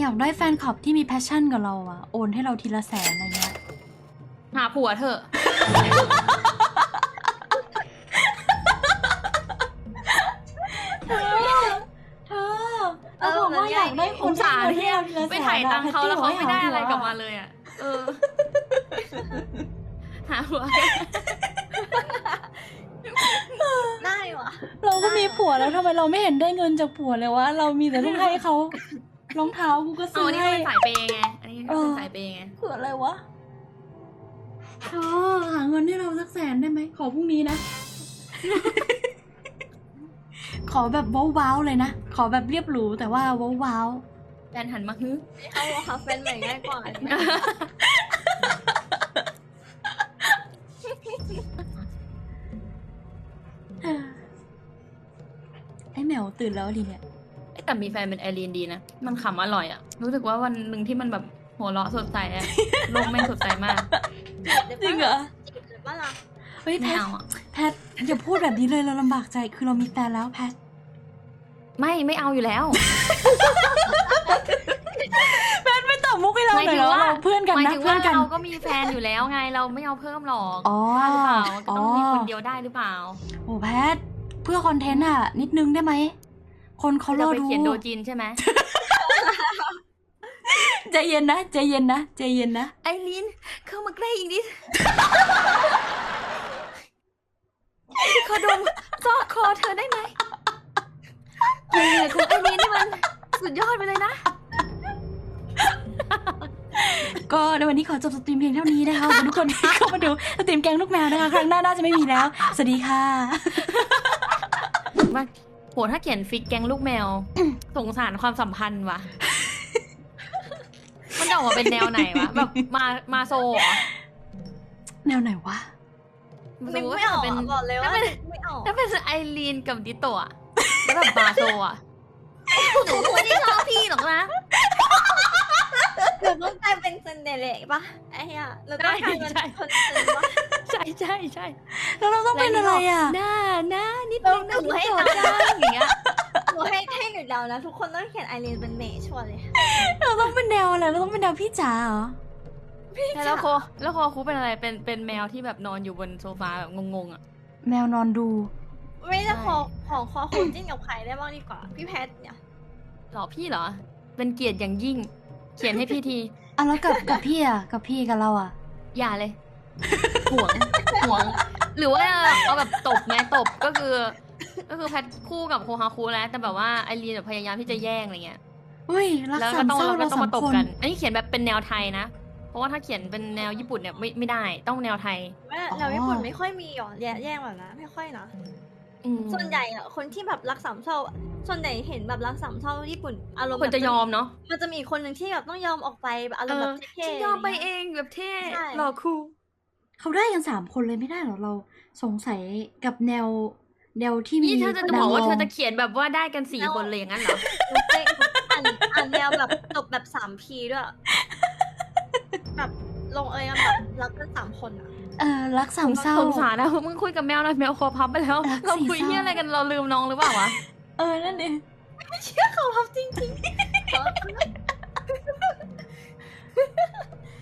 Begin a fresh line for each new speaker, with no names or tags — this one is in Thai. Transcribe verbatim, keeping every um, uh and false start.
อยากได้แฟนคลับที่มีแพชชั่นกับเราอะโอนให้เราทีละแสนอะไรเงี้ย
หาผัวเถอะ
เธอเธอเราบอกว่าอยากได้คน
สารที่ไปถ่ายตังเขาแล้วเขาไม่ได้อะไรกลับมาเลยอ่ะเออหาผัว
ได้วะ
เราก็มีผัวแล้วทำไมเราไม่เห็นได้เงินจากผัวเลยวะเรามีแต่ต้องให้เขารองเท้ากูก็ซื้อให้
อันนี้เป็นสายเปย์ไงอันนี้เป็นสายเปย์ไง
เผื่ออะไรวะเธอหาเงินให้เราสักแสนได้ไหมขอพรุ่งนี้นะ ขอแบบว้าวๆเลยนะขอแบบเรียบหรูแต่ว่าว้าว
ๆแฟนหันมาฮึ
เอาหาแฟนใหม่ง่ายกว่า
ไอ้แมวตื่นแล้วดิเนี่ย
แต่มีแฟนเป็นไอรีนดีนะมันขำอร่อยอ่ะรู้สึกว่าวันหนึ่งที่มันแบบหัวเราะสดใสอะโลกแม่งสดใสมาก
จริงเหรอ
จีบหรือว่าล่ะ
เฮ้ยแพทแพทอย่าพูดแบบนี้เลยเราลำบากใจคือเรามีแฟนแล้วแพท
ไม่ไม่เอาอยู่แล้ว
แพทไม่ตอบมุกให้เราเลยเหรอเราเพื่อนกันนะเพื่อนกัน
เราก็มีแฟนอยู่แล้วไงเราไม่เอาเพิ่มหรอก
อ๋อ
หรือเปล่าก็ต้องมีคนเดียวได้หรือเปล่า
โอ้แพทเพื่อคอนเทนต์อะนิดนึงได้ไหมคนเขารอดู
เขียนโดจินใช่ไหม
ใจเย็นนะใจเย็นนะใจเย็นนะ
ไอรีนเข้ามาใกล้อีกนิดขอดมซอกคอเธอได้ไหมเฮ้ยคุณไอรีนนี่มันสุดยอดไปเลยนะ
ก็ในวันนี้ขอจบสตรีมเพียงเท่านี้นะคะทุกคนที่เข้ามาดูสตรีมแกงลูกแมวนะคะครั้งหน้าน่าจะไม่มีแล้วสวัสดีค่ะ
มาโหถ้าเขียนฟิกแกงลูกแมวสงสารความสัมพันธ์ว่ะมันจะออกมาเป็นแนวไหนวะแบบมามาโซเหรอ
แนวไหนวะ
นึกไม่ออกบอกเลยว่าไม่ออก
ถ้าเป็นไอรีนกับดิโตะแล้วแบบมาโซอ่ะหนูไม่ได้ชอบพี่หรอกนะ
หนูต้องกลายเป็นซันเดเล่ปะไอ้เหี้ยเราต้องกลายเป็นคนซันปะ
ใช่ใช่ใช่
แล้วเราต้องเป็นอะไรอ่ะ
หน้าหน้านิดนึงหนูให้ตาอย่างเงี้ย
หนูให้ให้หนูเดานะทุกคนต้องเขียนไอรีนเป็นเมย์ชัวร์เลย
เราต้องเป็นแนวอะไรเราต้องเป็นแนวพี่จ๋าเหรอ
พี่จ๋าแล้วโคแล้วโคคูเป็นอะไรเป็นเป็นแมวที่แบบนอนอยู่บนโซฟาแบบงงๆอ่ะ
แมวนอนดู
ไม่จะขอของคอคูจิ้นกับใครได้บ้างดีกว่าพี่แพทเนี่ย
หรอพี่เหรอเป็นเกียรติอย่างยิ่งเขียนให้พี่ที
อ่ะแล้วกับกับพี่อ่ะกับพี่กับเราอ่ะ
อย่าเลยห่วงห่วงหรือว่าเอาแบบตบไงตบก็คือก็คือแพทคู่กับโคฮาคุแล้วแต่แบบว่าไอรีนแบบพยายามที่จะแย่งอะไรเงี้ย
เฮ้ยรักสามเศร้าเราสองคน
อันนี้เขียนแบบเป็นแนวไทยนะเพราะว่าถ้าเขียนเป็นแนวญี่ปุ่นเนี่ยไม่ไม่ได้ต้องแนวไทย
แนวญี่ปุ่นไม่ค่อยมีหรอแย่งแบบนั้นไม่ค่อยนะส่วนใหญ่อะคนที่แบบรักสามเศร้าส่วนใหญ่เห็นแบบรักสามเศร้าญี่ปุ่นอารมณ์
คนจะยอมเนาะ
มันจะมีคนหนึ่งที่แบบต้องยอมออกไปแบบอารมณ์แบบเท่
ๆยอมไปเองแบบเท่หล่อคูล
เขาได้กันสามคนเลยไม่ได้หรอเราสงสัยกับแนวแนวที่มี
นี่เธอจะบอกว่าเธอจะเขียนแบบว่าได้กันสี่คนเลยอย่างนั้นเหรอ
อ่านอ่านแนวแบบจบแบบสามพีด้วยแบบลงเอยกันแบบรักกันสามคนอะ
เออรักสามเศร้า
สงสารนะมึงคุยกับแมวหน่อยแมวคอพับไปแล้วเราคุยเหี้ยอะไรกันเราลืมน้องหรือเปล่าวะ
เออนั่นเอง
ไม่เชื่อเขาพับจริงๆ